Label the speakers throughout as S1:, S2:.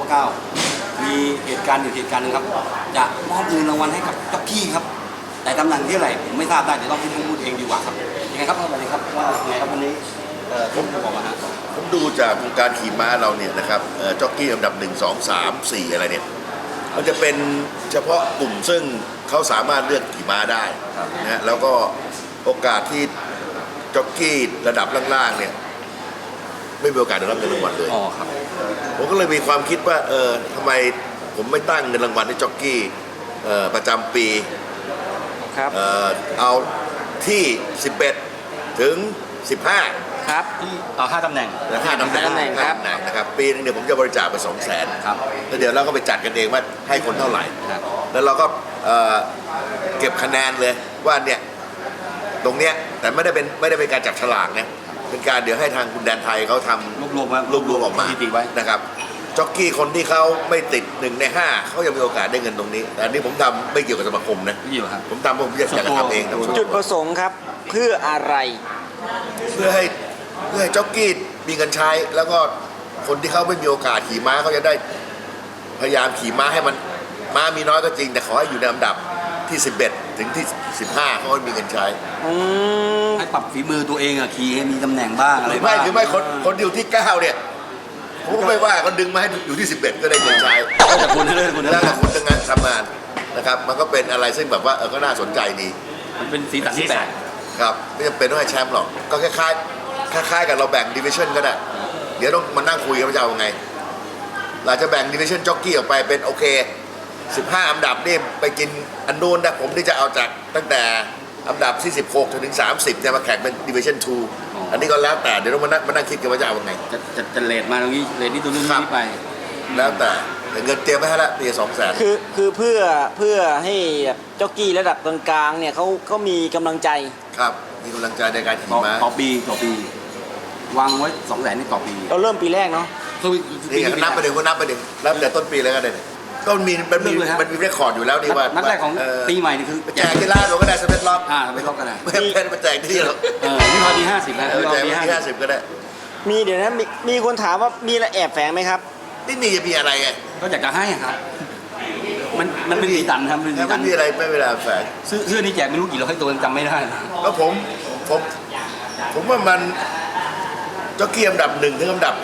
S1: 9มีเหตุการณ์อยู่เหตุการณ์หนึงครับจะมอบเงินรางวัลให้กับจ็อกกี้ครับแต่ตำแหน่งที่อะไรผมไม่ทราบได้เดี๋ยวต้องให้ท่านพูดเองดีกว่าครับยังไงครับสวัสดีครับว่าไงครับวันนี้ผมจะบอกว่าฮะ
S2: ผมดูจากการขี่ม้าเราเนี่ยนะครับจ็อกกี้อันดับ1 2 3 4อะไรเนี่ยมันจะเป็นเฉพาะกลุ่มซึ่งเขาสามารถเลือกขี่ม้าได้นะฮะแล้วก็โอกาสที่จ็อกกี้ระดับล่างๆเนี่ยไม่มีโอกาสได้รับเงินรางวัลเลย
S1: อ๋อครับ
S2: ผมก็เลยมีความคิดว่าทำไมผมไม่ตั้งเงินรางวัลให้จ็อกกี้ประจำปี
S3: ครับ
S2: เอาที่11ถึง15
S3: ครับ
S1: ที่เอา5 ตำแหน่ง
S2: 5 ตำแหน่งนะครับปีนึงเนี่ยผมจะบริจาคไป200,000
S1: ครับ
S2: แล้วเดี๋ยวเราก็ไปจัดกันเองว่าให้คนเท่าไหร่
S1: ครับ
S2: แล้วเราก็เก็บคะแนนเลยว่าเนี่ยตรงเนี้ยแต่ไม่ได้เป็นการจับฉลากนะเป็นการเดี๋ยวให้ทางคุณแดนไทยเขาทำรวบออกมา
S1: สถิติไว้
S2: นะครับจ็อกกี้คนที่เขาไม่ติด1 ใน 5เขายังมีโอกาสได้เงินตรงนี้แต่อันนี้ผมทำไม่เกี่ยวกับสมาคมนะ
S1: ไม่อยู่ครับ
S2: ผมทำผมอยากจะทำเองทั้งหมด
S3: จุดประสงค์ครับเพื่ออะไร
S2: เพื่อให้จ็อกกี้มีเงินใช้แล้วก็คนที่เขาไม่มีโอกาสขี่ม้าเขาจะได้พยายามขี่ม้าให้มันม้ามีน้อยก็จริงแต่ขอให้อยู่ในลำดับที่11ถึงที่15เขาก็มีเงินใช้
S1: ให้ปรับฝีมือตัวเองอะขี่ให้มีตำแหน่งบ้างอะไรบ้าง
S2: คือไม่คนอยู่ที่9เนี่ยผมก็ไม่ว่าก็ดึงมาให้อยู่ที่11ก็ได้เงินใช้
S1: แล้วแต่คุณเลยคุณ
S2: แล้วแต่คุณทำงานนะครับมันก็เป็นอะไรซึ่งแบบว่าก็น่าสนใจดี
S1: มันเป็นสีสันที่แปลก
S2: ครับไม่จำเป็นต้องให้แชมป์หรอกก็คล้ายๆกับเราแบ่งดิวิชั่นก็ได้เดี๋ยวต้องมานั่งคุยกันว่าจะเอาไงเราจะแบ่งดิวิชั่นจ็อกกี้ออกไปเป็นโอเค15 อันดับนี่ไปกินอันนู้นนะผมที่จะเอาจากตั้งแต่อันดับที่16ถึง30จะมาแข่งเป็นดิวิชั่น2อันนี้ก็แล้วแต่เดี๋ยวต้องมานั่งคิดกันว่าจะเอาไง
S1: จะเลทมาตรงนี้เลทนี่ตัวนู้นนี่ไป
S2: แล้วแต่เงินเตรียมไว้ให้ละปี200,000
S3: คือเพื่อให้จ็อกกี้ระดับกลางๆเนี่ยเขามีกำลังใจ
S2: ครับมีกำลังใจในการขี่ม้า
S1: ต่อปีวางไว้200,000นี่ต่อปี
S3: เราเริ่มปีแรกเนาะ
S2: นี่นับไปเดี๋ยวนับแต่ต้นปีเลยก็ได้ก็มันมีเรคคอร์ดอยู่แล้วนี่ว่า
S1: นัดแรกของปีใหม่นี่คือ
S2: แจกที่ร้านเราก็ได้สเปซล็อก
S1: สเปซล็อกก็ได้
S2: ไม่เป็นมาแจกที่เรา
S1: นี่พอดี50แล้ว
S2: แจกที่50ก็ได้
S3: มีเดี๋ยวนะมีคนถามว่ามีอะไรแอบแฝงไหมครับ
S2: ไม่มีจะมีอะไรไง
S1: ก็อยากจะให้ครับมันเป็นสีสันครับเป็นสีสัน
S2: ไม่มีอะไรไม่เวลาแฝง
S1: เสื้อนี่แจกไม่รู้กี่ร้อยตัวจำไม่ได้
S2: แล้วผมว่ามันจ็อกกี้อันดับ1ถึงอันดับ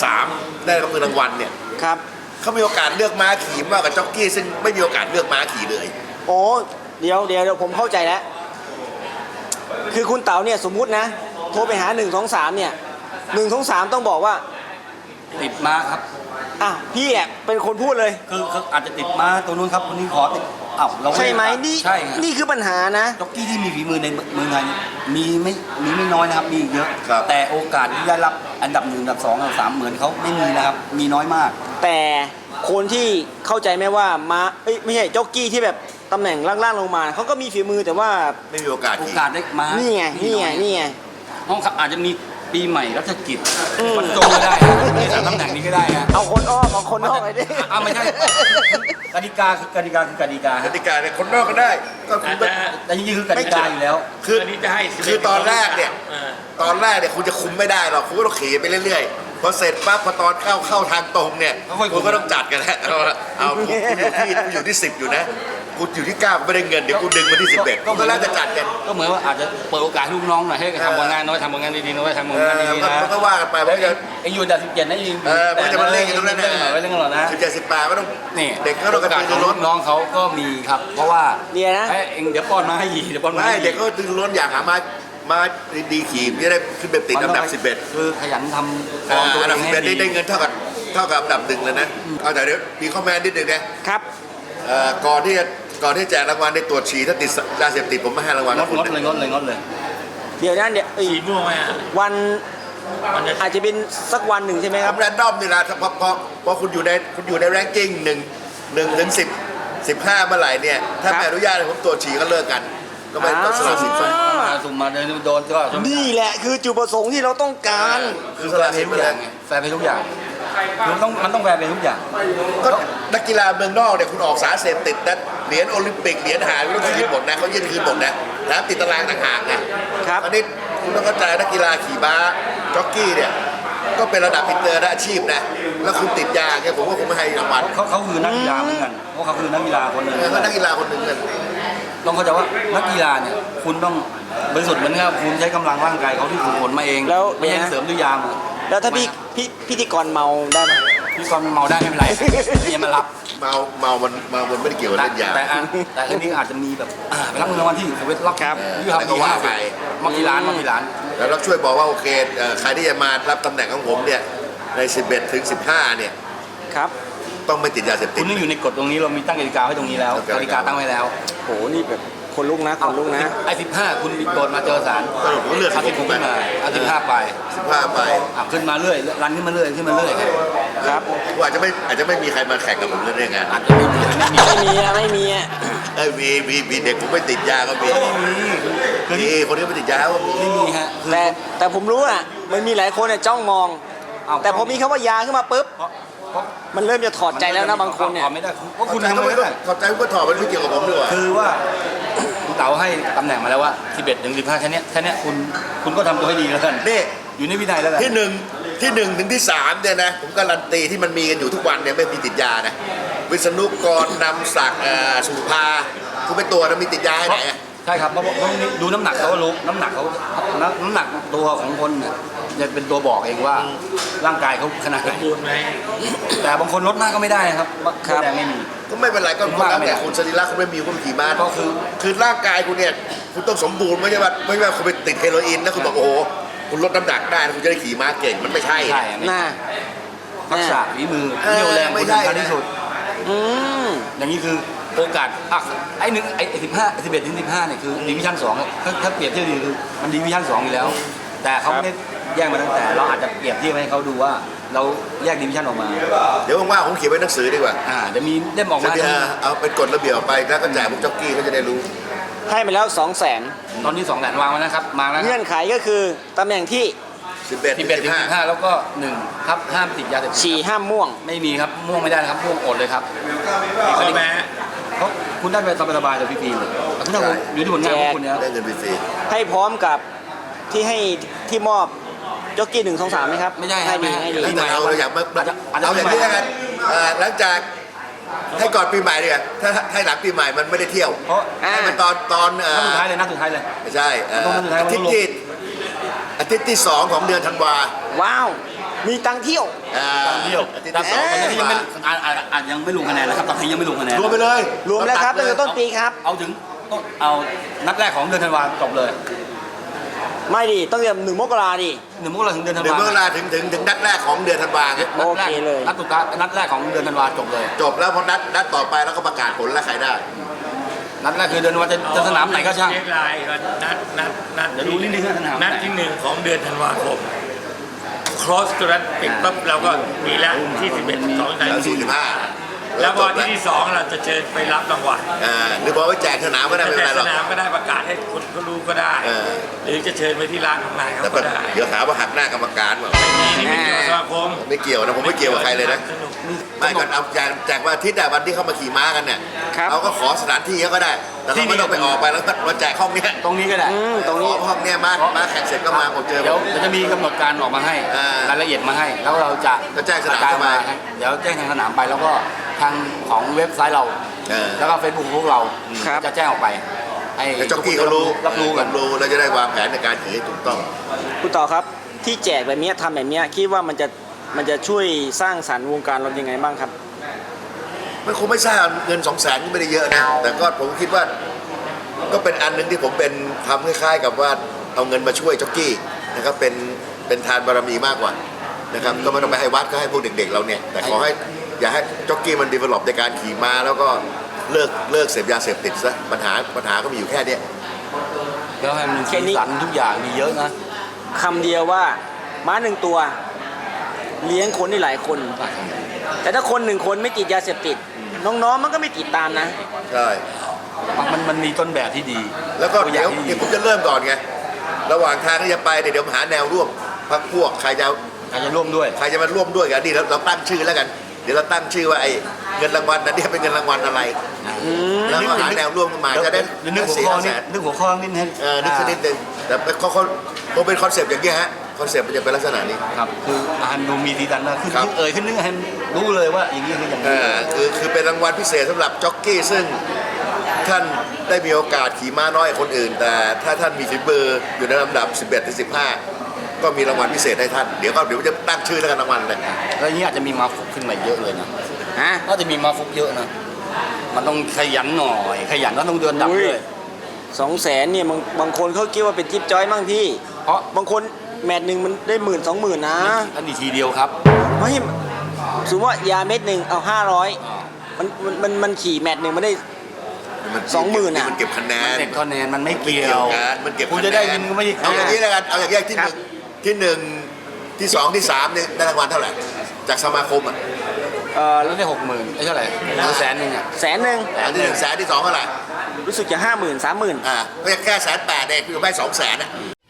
S2: 3ได้รับเงินรางวัลเนี่ย
S3: ครับ
S2: เขามีโอกาสเลือกม้าขี่มากกว่าจ็อกกี้ซึ่งไม่มีโอกาสเลือกม้าขี่เลย
S3: โอ้เดี๋ยวผมเข้าใจแล้วคือคุณเต๋าเนี่ยสมมุตินะโทรไปหา1 2 3เนี่ย1 2 3ต้องบอกว่า
S1: ติดม้าครับ
S3: พี่เป็นคนพูดเลย
S1: คืออาจจะติดม้าตัวนู้นครับคนนี้ขอติดเรา
S3: ใช่ไหมนี่
S1: ใช่
S3: นี่คือปัญหานะ
S1: จ็อกกี้ที่มีฝีมือในเมืองไทยมีไม่น้อยนะครับมีเยอะแต่โอกาสที่ได้รับอันดับ1 อันดับ2 อันดับ3เหมือนเขาไม่มีนะครับมีน้อยมาก
S3: แต่คนที่เข้าใจไหมว่าม้าไม่ใช่จ็อกกี้ที่แบบตำแหน่งล่างๆลงมาเขาก็มีฝีมือแต่ว่า
S2: ไม่มีโอกาส
S1: ได้ม้า
S3: นี่ไง
S1: ห้องอาจจะมีปีใหม่รัชกิจมันจงก็ได้ใน3 ตำแหน่งนี้ก็ได้นะ
S3: เอาคนอ้อมไปดิ
S1: ไม่ใช่กติกาคือกติกา
S2: เนี่ยคนนอกก็ได้ก็
S1: แต่จริงๆคือกติกาอยู่แล้ว
S2: คือตอนแรกเนี่ยคุณจะคุมไม่ได้หรอกคุณก็ต้องขี่ไปเรื่อยๆพอเสร็จปั๊บพอตอนเข้าทางตรงเนี่ยคุณก็ต้องจัดกันแล้วเอาคุณอยู่ที่10อยู่นะกูอยู่ที่9ไม่ได้เงินเดี๋ยวกูดึงมาที่11ก็แล้วจะจัดกัน
S1: ก็เหมือนว่าอาจจะเปิดโอกาสให้ลูกน้องหน่อยให้ทำงานน้อยทำงานดีๆน้อยทำงานดีๆนะ
S2: ก็ว่ากันไปเพราะ
S1: จะอยู่อันดับ17นะยิง
S2: มันจะมาเล่นกันตรงนั้นนะ
S1: ไว้เล่นกันหรอนะ
S2: 17 18ก็ต้อง
S1: นี่
S2: เด็กก็ต้องการ
S1: ดึงล้นน้องเขาก็มีครับเพราะว่า
S3: เนี่ยนะ
S1: เองเดี๋ยวป้อนมาให้ยีเดี๋ยวป้อนมาให้
S2: เด็กก็ดึงล้นอยากหามาดีขี่จะได้ขึ้นไปติดอันดับ11
S1: คือขยันทำ
S2: อันดับ11ได้เงินเท่ากับอันดับ1เลยนะเอาแต่เดี๋ยวมีข้อแม้นิดนึงนะครับก่อนที่แจกรางวัลได้ตรวจฉี่ถ้าติดยาเสพติดผมไม่ให้รางวัล
S1: งดเลย
S3: เดี๋ยวนั้น
S1: ฉี่ม่วงไหม
S3: วันอาจจะเป็นสักวันหนึ่งใช่ไหมครับ
S2: แรนดอมนี่แหละเพราะคุณอยู่ในแรงกิ้ง1ถึง15เมื่อไหร่เนี่ยถ้าไม่อนุญาตให้ผมตรวจฉี่ก็เลิกกันก็ไม่ต้องสละสิทธิ์
S1: สุ่มมาโดนก็
S3: นี่แหละคือจุดประสงค์ที่เราต้องการ
S2: คือสละสิทธิ์ทุกอย่าง
S1: แฟร์ไปทุกอย่างมันต้องแฟร์ไปทุกอย่าง
S2: ก็นักกีฬาเมืองนอกเนี่ยคุณออกสารเสพติดนะเหรียญโอลิมปิกเหรียญหายไม่ต้องคืนหมดนะเขายื่นคืนหมดนะแล้วติดตารางต่างหากไงอันนี้คุณต้องเข้าใจนักกีฬาขี่ม้าจ็อกกี้เนี่ยก็เป็นระดับอินเตอร์นะอาชีพนะแล้วคุณติดยาเนี่ยผมว่าผมไม่ให้รางวัล
S1: เขาคือนักกีฬาเหมือนกันเพราะเขาคือนักกีฬาคนหนึ่ง
S2: เขานักกีฬาคนหนึ่งกัน
S1: ต้องเข้าใจว่านักกีฬาเนี่ยคุณต้องบริสุทธิ์เหมือนกับคุณใช้กำลังร่างกายเขาที่ฝึกฝนมาเอง
S3: แล้ว
S1: ไม่ใช่เสริมด้วยยา
S3: แล้วถ้าพิธีกรเมาได้ไหม
S1: พี่กรเมาได้ไม่เป็นไรเนี่ยมารับ
S2: เมามันไม่ได้เกี่ยวกับเล่นยา
S1: แต่อันนี้อาจจะมีแบบไปรับเงินรางวัลที่สวิตรับ
S3: ครับ
S1: ยี่ห้อ
S2: แล้วก็ว่าไป
S1: มากี่ล้านมากี่ล้าน
S2: แล้วเราช่วยบอกว่าโอเคใครที่จะมารับตำแหน่งของผมเนี่ยใน 11 ถึง 15 เนี่ย
S3: ครับ
S2: ต้องไม่ติดยาเสพติ
S1: คุ
S2: ด
S1: ณนี่อยู่ในกฎตรงนี้เรามีตั้งกติกาไว้ตรงนี้แล้วกติกาตั้งไว้แล้ว
S3: โหนี่แบบคนลุกนะคนลุกนะ
S1: ไอ้15คุณโดนมาเจอศาล
S2: สรุปผมเลือก
S1: เอา16ขึ้นมาเอา15ไป
S2: 15 ไป
S1: ขึ้นมาเรื่อยรันขึ้นมาเรื่อยขึ้นมาเรื่อย
S3: ครับ
S2: ว่าอาจจะไม่มีใครมาแข่งกับผมเรื่องนี้ไง
S1: อาจจะไม่มีไม่มี
S3: ไม่มีอะ
S2: มีเด็กผมไม่ติดยาก็มี
S1: คือ
S2: มีคนที่ไม่ติดยาก็มี
S1: ไม่มีฮะคือ
S3: แต่ผมรู้อะมันมีหลายคนเนี่ยจ้องมอง แต่พอมีคำว่ายาขึ้นมาปุ๊บ
S1: เพราะ
S3: มันเริ่มจะถอดใจแล้วนะบางคนเนี่ย
S1: ถอดไม่ได้เพราะคุณ
S2: เข้าใจ
S1: ทำ
S2: ก็
S1: ไม่
S2: ไม่
S1: ได้
S2: เข้าใจก็ถอดมันไม่เกี่ยวกับผมดีกว่า
S1: คือว่าคุณเต๋าให้ตำแหน่งมาแล้วว่า11ถึง15แค่เนี้ยคุณก็ทำตัวให้ดีแล้วกัน
S2: นี่
S1: อยู่ในวินัยแล้วกัน
S2: ที่หนึ่งถึงที่ 3เนี่ยนะผมการันตีที่มันมีกันอยู่ทุกวันเนี่ยไม่มีติดยานะวิษณุกรนำศักดิ์สุภาคุณเป็นตัวนะมีติดยาให้ไหนอะ
S1: ใช่ครับเพราะดูน้ำหนักเขาก็รู้น้ำหนักตัวของคนเนี่ยจะเป็นตัวบอกเองว่าร่างกายเขาขนาดไหนแต่บางคนลดมากก็ไม่ได้นะครับแรงไม่มี
S2: ก็ไม่เป็นไรก็
S1: ว่า
S2: แล้ว
S1: ไม่ได้
S2: แต่คุณสรีระคุณไม่มีคุณขี่ม้า
S1: ก็คือ
S2: คือร่างกายคุณเนี่ยคุณต้องสมบูรณ์ไม่ใช่ว่าคุณไปติดเฮโรอีนแล้วคุณบอกโอ้โหคุณลดน้ำหนักได้แล้วคุณจะได้ขี่ม้าเก่งมันไม่ใช่
S1: ใช่
S3: น่า
S1: ทักษะฝีมือเรี่ยวแรง
S2: ไม่
S1: คุณ
S2: ใช่
S1: สำคัญที่สุด
S3: อืม
S1: อย่างนี้คือโอกาสไอ้11ถึง15เนี่ยคือดิวิชั่น2ถ้าเปรียบเทียบดีคือมันดิวิชั่น2อยู่แล้ว แต่เขาไม่ได้แยกมาตั้งแต่เราอาจจะเปรียบเทียบให้เขาดูว่าเราแยกดิวิชั่นออกมา
S2: เดี๋ยวว่างๆผมเขียนไว้หนังสือดีกว่า
S1: เดี๋ยวมีเล่มออก
S2: จะ
S1: มา
S2: ได้เอาเป็นกฎระเบียบออกไปแล้วก็แจกพวกจ็อกกี้เขาจะได้รู้
S3: ให้ไปแล้ว200,000
S1: ตอนนี้2แสนวางไว้นะครับมาแล้ว
S3: เงื่อนไขก็คือตำแหน่งที่
S2: 11 ถึง
S1: 11ถึง15แล้วก็1ครับห้ามติดยาเสพติด
S3: ฉี่ห้ามม่วง
S1: ไม่มีครับม่วงไม่ได้นะครับม่วงอดเลยครับ
S4: ข้อแม้
S1: เขาคุณได้ไปสบายๆจากพี่ปีเลยคุณถ้าผมอยู่ที่ผลงานของคุณเนี่ย
S2: 15ได้เงินฟรี
S3: ให้พร้อมกับที่มอบจ็อกกี้1 2 3ไหมครับ
S1: ไม่ใช่
S3: ให้ดีให้
S2: ๆ
S3: ดี
S2: แล้วแต่เอาเราอยากมา
S1: อาจจะ
S2: เอาอย่างนี้แล้วกันหลังจากให้ก่อนปีใหม่ดีกว่าถ้าให้หลังปีใหม่มันไม่ได้เที่ยว
S1: เพราะ
S2: ให้มันตอน
S1: นัดสุดท้ายเลยนัดสุดท้ายเลย
S2: ไม่ใช่
S1: ต้องนัดสุดท้าย
S2: อาทิตย์ที่ 2 ของเดือนธันวา
S3: ว้าว มีตังค์เที่ยว
S1: เที่ยว
S2: อาทิตย์
S1: นัด
S2: ที่
S1: สอง
S2: 2
S1: ตอนนี้ยังไม่อาจยังไม่ลงคะแนนนะครับตอนนี้ยังไม่ลงคะแนน
S2: รวมไปเลย
S3: รวมแล้วครับตั้งแต่ต้นปีครับ
S1: เอาถึงเอานัดแรกของเดือนธันวาจบเลย
S3: ไม่ดิต้องเดือน1 มกราดิ
S1: 1 มกราคมถึงเดือนธัน
S2: เดือน
S1: วา
S2: มกราถึงนัดแรกของเดือนธันวาไง
S3: โอเคเลย
S1: นัดสุดท้ายนัดแรกของเดือนธันวาจบเลย
S2: จบแล้วพอนัดต่อไปแล้วก็ประกาศผลแล้วใครได้
S1: นัดแรกคือเดือนธันวาจะสนามไหนก็ช่าง
S4: เช็คไลน์ก่อนนัด
S1: เดี๋ยวดูนิดนึงนะสนามไหน
S4: นัดที่ 1 ของเดือนธันวาคม cross ตัวนั้นปิดปั๊บเราก็มีแล้วที่ 11 2
S2: แล้ว
S4: 3
S2: 45
S4: แล้วพอ
S2: จบ
S4: ที่ 2 เราจะเชิญไปรับรางวัล
S2: หรือบอกว่าแจกสนามก็ได้ไม่เป็น
S4: แต่
S2: ไรหร
S4: ส
S2: อก
S4: นามก็ได้ประกาศให้คนเขารู้ก็ได้ หรือจะเชิญไปที่ร้านของนายเขา
S2: แต่
S4: ก็ได้
S2: เดี๋ยวหาว่าหักหน้ากรรมการว่า
S4: นี่ไม่เกี่ยวกับสมาคม
S2: ไม่เกี่ยวนะผมไม่เกี่ยวกับใครเลยนะ
S4: สนุก
S2: ไม่ก่อนเอาแจกวันอาทิตย์แต่วันที่เขามาขี่ม้ากันเนี่ย
S3: ครับ
S2: เราก็ขอสถานที่เขาก็ได้ แต่เราไม่ต้องไปออกไปแล้วมาแจกห้องเนี้ย
S1: ตรงนี้ก็ได้
S3: ตรงนี้
S2: ห้องเนี้ยมาแข่งเสร็จก็มาผมเจอ
S1: เดี๋ยวจะมีกำหนดการออกมาให้ รายละเอียดมาให้ แล้วเราจะ
S2: ก็แจ้งสนาม
S1: กร
S2: เข้ามา
S1: เดี๋ยวแจ้งทางสนามไปแล้วก็ทางของเว็บไซต์เรา แล้วก็เฟซบุ๊กพวกเรา
S3: ครับ
S1: จะแจ้งออกไปให้
S2: แล้วจ็อกกี้เขารู้
S1: รับรู้กัน
S2: แล้วจะได้วางแผนในการขี่ให้ถูกต้อง
S3: คุณต่อครับที่แจกแบบเนี้ยทำแบบเนี้ยคิดว่ามันจะช่วยสร้างสรรค์วงการรถยังไงบ้างครับ
S2: มันคงไม่ใช่เงิน200,000ก็ไม่ได้เยอะนะ แต่ก็ผมคิดว่าก็เป็นอันหนึงที่ผมเป็นทำคล้ายๆกับว่าเอาเงินมาช่วยจ็อกกี้นะครับเป็นทานบารมีมากกว่านะครับก็ไม่ต้องไปให้วัดก็ให้พวกเด็กๆเราเนี่ยแต่ขอให้อย่าให้จ็อกกี้มันดีเวล็อปในการขี่ม้าแล้วก็เลิกเสพยาเสพติดซะปัญหาก็มีอยู่แค่เนี้ย
S1: แล้วให้มันมี
S3: แค่
S1: สี
S3: นี้
S1: สันทุกอย่างมีเยอะนะ
S3: คำเดียวว่าม้า1 ตัว เลี้ยงคนได้หลายคน แต่ถ้าคน1 คนไม่ติดยาเสพติด น้องๆมันก็ไม่ติดตามนะ
S2: ใช่
S1: มันมีต้นแบบที่ดี
S2: แล้วก็
S1: ตัวอ
S2: เดี๋
S1: ย่า
S2: ยว
S1: งที่ดี
S2: เดี๋ยวผมจะเริ่มก่อนไงระหว่างทางที่จะไปเนี่ยเดี๋ยวหาแนวร่วมพักพวกใครจะ
S1: ใครจะร่วมด้วย
S2: มาร่วมด้วยกันนี่เราตั้งชื่อแล้วกัน เดี๋ยวเราตั้งชื่อว่าไอ้เงินรางวัลนั้นเนี่ยเป็นเงินรางวัลอะไรแล้วก็หาแนวร่วมกันมาจะได้
S1: นึกหัวข้อนิดนึกหัวข้อนิดให้
S2: นึกสักนิดนึงแต่เขาคงเป็นคอนเซปต์อย่างเงี้ยฮะคอนเซ็ปต์มันจะเป็นลักษณะนี้
S1: ครับคืออาหารดูมีสีสันมากขึ้น
S2: ครับ
S1: เอ่ยขึ้นนึกให้รู้เลยว่าอย่างนี้คืออย่างนี้
S2: คือเป็นรางวัลพิเศษสำหรับจ็อกกี้ซึ่งท่านได้มีโอกาสขี่ม้าน้อยกว่าคนอื่น แต่ถ้าท่านมีฝีมืออยู่ในลำดับ 11 ถึง 15 ก็มีรางวัลพิเศษให้ท่าน เดี๋ยวจะตั้งชื่อแล้วกันรางวัลเลย
S1: แล้วอย่างนี้อาจจะมีมาฟุกขึ้นมาเยอะเลยนะ
S3: ฮะ
S1: น่าจะมีมาฟุกเยอะนะมันต้องขยันหน่อยขยันก็ต้องเดินดับเลย
S3: 200,000เนี่ยบางคนเขาคิดว่าเป็นจิ๊บจ้อยมั่งพี่
S1: เพราะ
S3: บางคนแมตช์หนึ่งมันได้10,000-20,000นะ
S1: อันนี้ทีเดียวครับ
S3: ไม่สมมติว่ายาเม็ดหนึ่งเอา500มันขี่แมตช์หนึ่งมันได้ 20,000อะ
S2: มันเก็บคะแนน
S1: เด็กคะแนนมันไม่
S2: ไม่
S1: เกี่ย
S2: เกี่ยว
S1: ว
S2: กันมันเก็บ
S1: คุณ
S2: คะแน
S1: จะ
S2: น
S1: ได้เงินก็ไม่ได้
S2: เอาอย่างนี้แล้วกันเอาอย่างแยกที่
S3: ค
S2: ห
S3: รับ
S2: นึ่งที่ 2 ที่ 3เนี่ยได้รางวัลเท่าไหร่จากสมาคมอ่ะ
S1: แล้วได้60,000ไอ้เท่าไหร่100,000อ่ะ
S3: 100,000
S2: อันที่100,000ที่2เท่าไหร่
S3: รู้สึกจะ50,000-30,000
S2: ก็แค่180,000เองคือไม่200,000อ่ะ